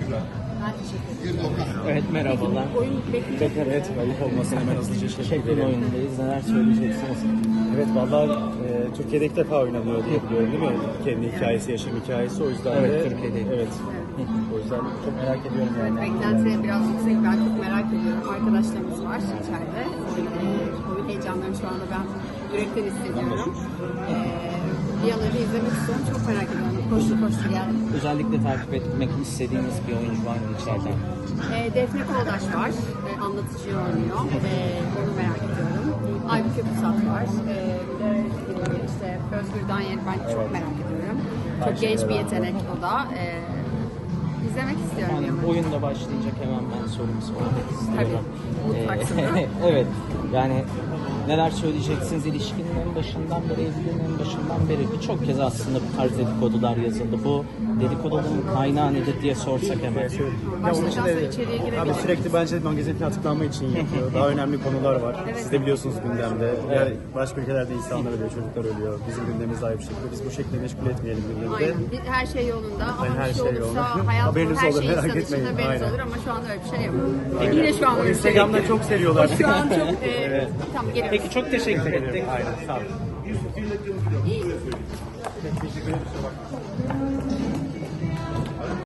Ben teşekkür ederim. Evet, merhabalar. Oyun bekleyecek. Bekar, evet, ayıp olmasın, hemen hızlıca şey Şeklin verelim. oyundayız. Neler söyleyeceksiniz? Evet, vallahi Türkiye'de ilk defa oynanıyor diye biliyorum, değil mi? Kendi hikayesi, yaşam hikayesi, o yüzden Evet, de... Türkiye'de. Evet, o yüzden çok merak ediyorum Evet, yani. beklenti biraz yüksek. Ben çok merak ediyorum. Arkadaşlarımız var içeride. Oyun heyecanlarını şu anda ben yürekten hissediyorum. Bir an önce izlemek istiyorum. Çok merak ediyorum. Koştu koştu geldim. Özellikle takip etmek istediğiniz bir oyuncu var mı içeriden? Defne Koldaş var. Anlatıcı oynuyor. Onu merak ediyorum. Aybüke Pusat var. Bir de işte Özgür Danyel ben çok merak ediyorum. Çok genç bir yetenek o da. İzlemek istiyorum. Yani yani. oyunda başlayacak, hemen ben sorumu sormak istiyorum. Tabii, mutlak soru. Evet, yani neler söyleyeceksiniz? İlişkinin en başından beri, evliliğin en başından beri birçok kez aslında bu tarz dedikodular yazıldı. Bu dedikoduların kaynağı nedir diye sorsak hemen. Ya onun Başladıktan için sonra de içeriye girebiliriz. abi sürekli bence magazin açıklanma için yapıyor. Daha önemli konular var. Evet. Siz de biliyorsunuz gündemde. Ya başka ülkelerde insanlar ölüyor, çocuklar ölüyor. Bizim gündemimiz daha bir şekilde. Biz bu şekilde meşgul etmeyelim gündemde. Aynen. Her şey yolunda ama Her bir şey şey olursa yolunda. hayat Haberiniz her olur, şey merak insan için etmeyin. haberiniz Aynen. olur ama şu anda öyle bir şey yok. Yine şu an O öyle bir şey yok. Instagram'da çok seviyorlar. Şu an çok tamam geliyoruz. Peki, çok teşekkür ettik. Aynen, sağ olun. Teşekkür ederim.